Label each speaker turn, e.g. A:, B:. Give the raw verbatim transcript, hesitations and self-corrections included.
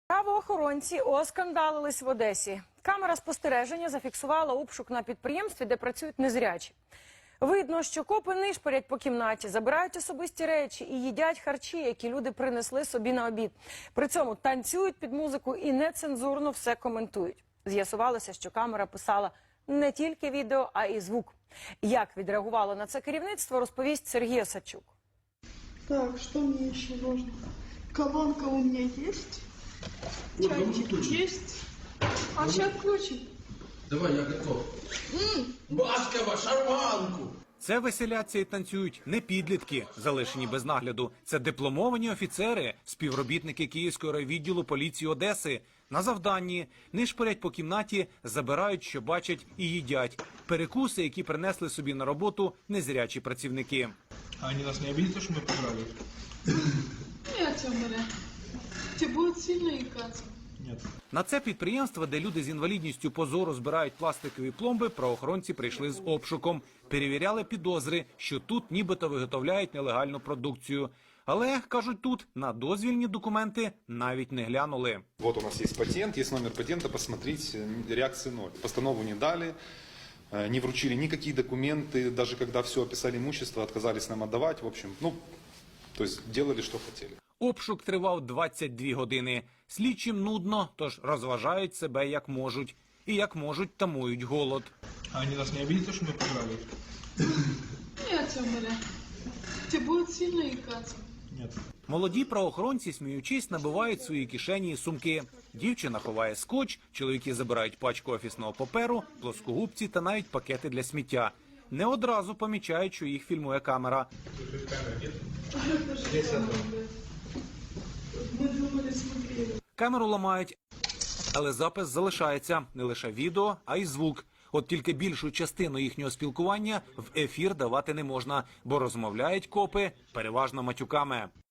A: Правоохоронці оскандалились в Одесі. Камера спостереження зафіксувала обшук на підприємстві, де працюють незрячі. Видно, що копи нишпорять по кімнаті, забирають особисті речі і їдять харчі, які люди принесли собі на обід. При цьому танцюють під музику і нецензурно все коментують. З'ясувалося, що камера писала не тільки відео, а й звук. Як відреагувало на це керівництво, розповість Сергій Осадчук.
B: Так, что мне еще нужно? Колонка у меня есть. Чайник есть. А сейчас включим.
C: Давай, я готов. Баскова, шарманку!
D: Це веселяться і танцюють не підлітки, залишені без нагляду. Це дипломовані офіцери, співробітники Київського райвідділу поліції Одеси. На завданні нишпорять по кімнаті, забирають, що бачать, і їдять. Перекуси, які принесли собі на роботу незрячі працівники.
E: А они нас не обидят, что мы поиграли?
B: Нет, Амаля. Тебе будет сильно икаться.
E: Нет.
D: На це підприємство, де люди з інвалідністю позору збирають пластикові пломби, правоохоронці прийшли з обшуком. Перевіряли підозри, що тут нібито виготовляють нелегальну продукцію. Але, кажуть тут, на дозвільні документи навіть не глянули.
F: Вот у нас есть патент, есть номер патента, посмотреть, реакции ноль. Постанову не дали, не вручили никакие документы, даже когда все описали имущество, отказались нам отдавать, в общем, ну, то есть делали, что хотели.
D: Обшук тривав двадцять дві години. Слідчим нудно, тож розважають себе як можуть. І як можуть, тамують голод.
E: А они нас не обидят, что мы поиграли?
B: Нет, Амаля. Тебе будет сильно икаться.
E: Нет.
D: Молоді правоохоронці, сміючись, набивають свої кишені і сумки. Дівчина ховає скотч, чоловіки забирають пачку офісного паперу, плоскогубці та навіть пакети для сміття. Не одразу помічають, що їх фільмує камера.
B: Мы думали, смотрели.
D: Камеру ламають, але запис залишається. Не лише відео, а й звук. От тільки більшу частину їхнього спілкування в ефір давати не можна, бо розмовляють копи переважно матюками.